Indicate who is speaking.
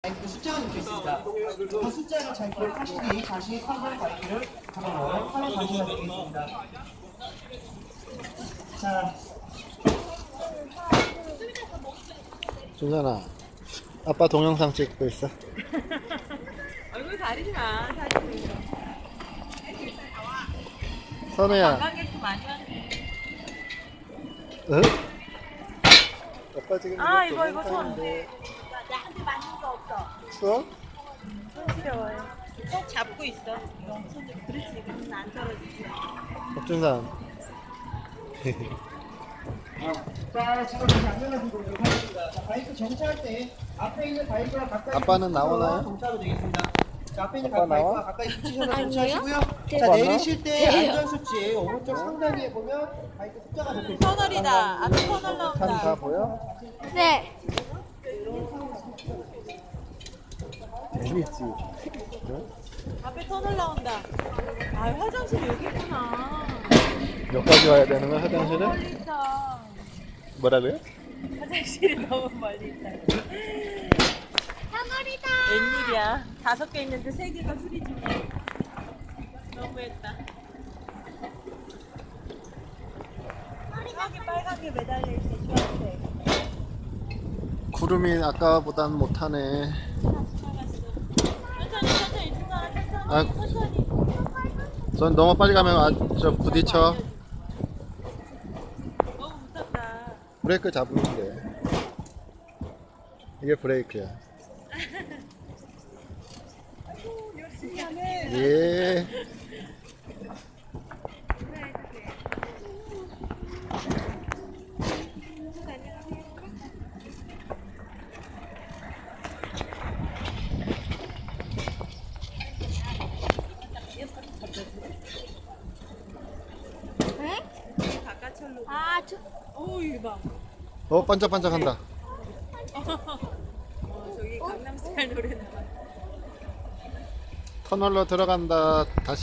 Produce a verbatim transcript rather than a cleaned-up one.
Speaker 1: 바이크 숫자가 적혀 있습니다. 그 숫자를 잘 기억하시기 다시 판별 바이크를 한번 활용하시면 되겠습니다. 자,
Speaker 2: 준선아, 아빠 동영상 찍고 있어.
Speaker 3: 얼굴 가리지 마, 사진.
Speaker 2: 선우야,
Speaker 3: 관광객도 많이 왔네.
Speaker 2: 응? 아빠 지금
Speaker 3: 아,
Speaker 2: 이거
Speaker 3: 이거, 이거 손.
Speaker 2: 동영상인데.
Speaker 3: 나한테 맞는 거 없어.
Speaker 2: 추워?
Speaker 3: 손 시려워요. 꼭 잡고 있어. 이거 손 그렇지. 그러면 안 떨어지지.
Speaker 2: 박준산.
Speaker 1: 자, 지금 장면을 보도록 하겠습니다. 자, 바이크 정차할 때 앞에 있는 바이크와 가까이
Speaker 2: 아빠는 나오나요?
Speaker 1: 정차도 되겠습니다. 자, 앞에 있는
Speaker 2: 아빠
Speaker 1: 바이크와
Speaker 2: 나와?
Speaker 1: 가까이 붙이셔서 정차하시고요. 자,
Speaker 2: 아빠
Speaker 1: 내리실 때 안전수치 오른쪽 상단위에 보면 바이크 숫자가 적혀 있습니다.
Speaker 3: 터널이다. 앞에 터널
Speaker 2: 산 다
Speaker 3: 나온다.
Speaker 2: 보여?
Speaker 4: 네.
Speaker 2: 재밌지. 응?
Speaker 3: 앞에 터널 나온다. 아, 화장실 여기 있구나.
Speaker 2: 몇 가지 와야 되는 거야, 화장실은?
Speaker 3: 멀리 있다.
Speaker 2: 뭐라고요?
Speaker 3: 화장실이 너무 멀리 있다.
Speaker 4: 터널이다.
Speaker 3: 웬일이야. 다섯 개 있는데 세 개가 수리 중이야. 너무했다. 저기 빨간 게 매달려 있어. 주황색.
Speaker 2: 구름이 아까보단 못하네.
Speaker 3: 나갔어. 천천히 천천히 중간에 천천히
Speaker 2: 아,
Speaker 3: 천천히.
Speaker 2: 전 너무 빨리 가면 아, 저 부딪혀.
Speaker 3: 너무 무섭다.
Speaker 2: 브레이크 잡으면 돼. 이게 브레이크야.
Speaker 3: 열심히 하네.
Speaker 2: 예.
Speaker 4: 응?
Speaker 3: 바깥철로.
Speaker 4: 아, 저,
Speaker 3: 오, 이거 봐.
Speaker 2: 어, 반짝반짝한다.
Speaker 3: 어, 저기 강남스타일 노래 나와.
Speaker 2: 터널로 들어간다. 다시.